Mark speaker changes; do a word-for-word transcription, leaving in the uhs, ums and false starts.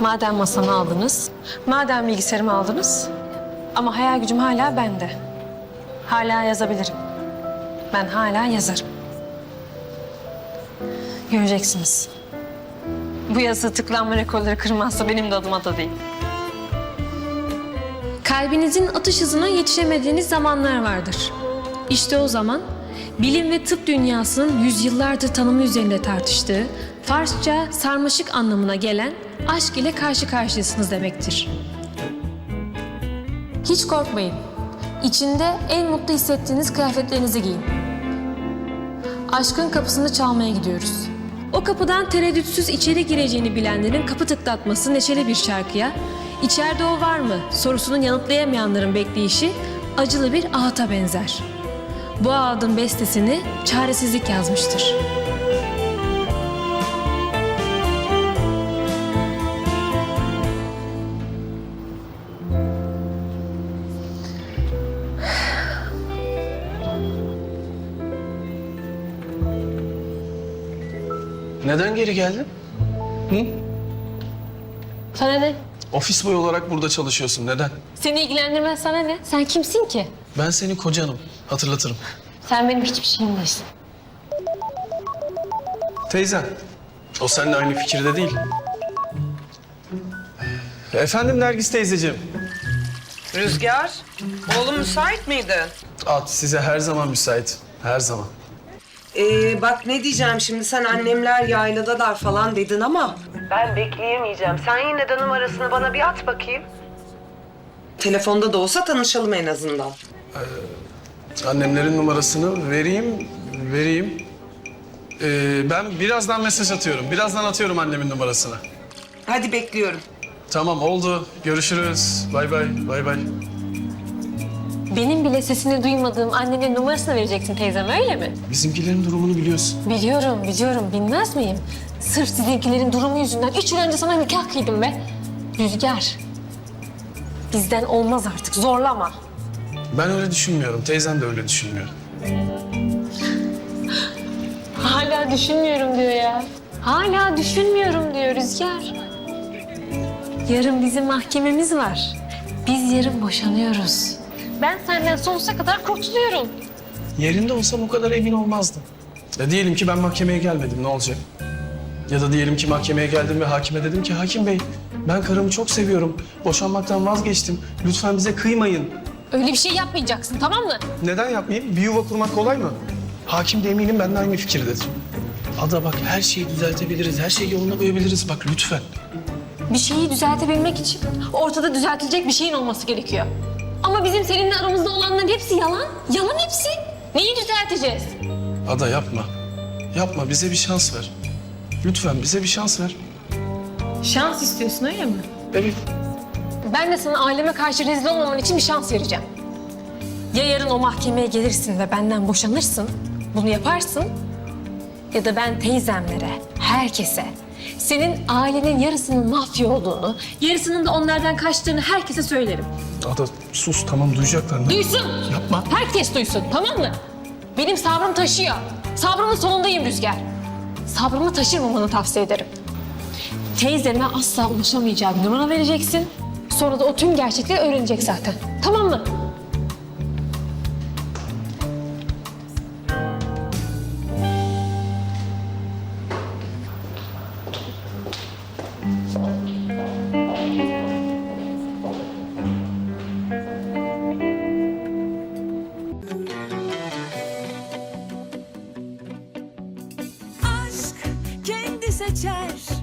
Speaker 1: Madem masamı aldınız, madem bilgisayarımı aldınız ama hayal gücüm hala bende. Hala yazabilirim. Ben hala yazarım. Göreceksiniz. Bu yazı tıklanma rekorları kırmazsa benim de adıma da değil. Kalbinizin atış hızına yetişemediğiniz zamanlar vardır. İşte o zaman bilim ve tıp dünyasının yüzyıllardır tanımı üzerinde tartıştığı Farsça sarmaşık anlamına gelen aşk ile karşı karşıyasınız demektir. Hiç korkmayın. İçinde en mutlu hissettiğiniz kıyafetlerinizi giyin. Aşkın kapısını çalmaya gidiyoruz. O kapıdan tereddütsüz içeri gireceğini bilenlerin kapı tıklatması neşeli bir şarkıya, "İçeride o var mı?" sorusunu yanıtlayamayanların bekleyişi acılı bir ahata benzer. Bu ağıtın bestesini çaresizlik yazmıştır.
Speaker 2: Neden geri geldin? Hı?
Speaker 1: Sana ne?
Speaker 2: Ofis boyu olarak burada çalışıyorsun. Neden?
Speaker 1: Seni ilgilendirmez, sana ne? Sen kimsin ki?
Speaker 2: Ben senin kocanım. Hatırlatırım.
Speaker 1: Sen benim hiçbir şeyim değilsin.
Speaker 2: Teyzen. O seninle aynı fikirde değil. Efendim Nergis teyzeciğim.
Speaker 3: Rüzgar, oğlum müsait miydi?
Speaker 2: At size her zaman müsait. Her zaman.
Speaker 3: Ee, bak ne diyeceğim şimdi, sen annemler yayladalar falan dedin ama... Ben bekleyemeyeceğim. Sen yine de numarasını bana bir at bakayım. Telefonda da olsa tanışalım en azından.
Speaker 2: Annemlerin numarasını vereyim, vereyim. Ee, ben birazdan mesaj atıyorum. Birazdan atıyorum annemin numarasını.
Speaker 3: Hadi bekliyorum.
Speaker 2: Tamam oldu. Görüşürüz. Bay bay, bay bay.
Speaker 1: Benim bile sesini duymadığım annenin numarasını vereceksin teyzem, öyle mi?
Speaker 2: Bizimkilerin durumunu biliyorsun.
Speaker 1: Biliyorum, biliyorum. Bilmez miyim? Sırf sizinkilerin durumu yüzünden üç yıl önce sana nikah kıydım be. Rüzgar. Bizden olmaz artık, zorlama.
Speaker 2: Ben öyle düşünmüyorum. Teyzen de öyle düşünmüyor.
Speaker 1: Hala düşünmüyorum diyor ya. Hala düşünmüyorum diyor Rüzgar. Yarın bizim mahkememiz var. Biz yarın boşanıyoruz. Ben senden sonsuza kadar kurtuluyorum.
Speaker 2: Yerinde olsam o kadar emin olmazdım. Ya diyelim ki ben mahkemeye gelmedim, ne olacak? Ya da diyelim ki mahkemeye geldim ve hakime dedim ki hakim bey, ben karımı çok seviyorum. Boşanmaktan vazgeçtim. Lütfen bize kıymayın.
Speaker 1: Öyle bir şey yapmayacaksın, tamam mı?
Speaker 2: Neden yapmayayım? Bir yuva kurmak kolay mı? Hakim de eminim benimle aynı fikirdedir. Ada bak, her şeyi düzeltebiliriz, her şeyi yoluna koyabiliriz. Bak lütfen.
Speaker 1: Bir şeyi düzeltebilmek için ortada düzeltilecek bir şeyin olması gerekiyor. Ama bizim seninle aramızda olanların hepsi yalan. Yalan hepsi. Neyi düzelteceğiz?
Speaker 2: Ada yapma. Yapma, bize bir şans ver. Lütfen bize bir şans ver.
Speaker 1: Şans istiyorsun, öyle mi?
Speaker 2: Evet.
Speaker 1: Ben de sana aileme karşı rezil olmaman için bir şans vereceğim. Ya yarın o mahkemeye gelirsin ve benden boşanırsın, bunu yaparsın. Ya da ben teyzemlere, herkese, senin ailenin yarısının mafya olduğunu, yarısının da onlardan kaçtığını herkese söylerim.
Speaker 2: Ada sus, tamam duyacaklar.
Speaker 1: Duysun.
Speaker 2: Yapma.
Speaker 1: Herkes duysun, tamam mı? Benim sabrım taşıyor. Sabrımın sonundayım Rüzgar. Sabrımı taşırmamanı tavsiye ederim. Teyzeme asla ulaşamayacağı bir numara vereceksin. Sonra da o tüm gerçekleri öğrenecek zaten. Tamam mı?
Speaker 4: Aşk kendi seçer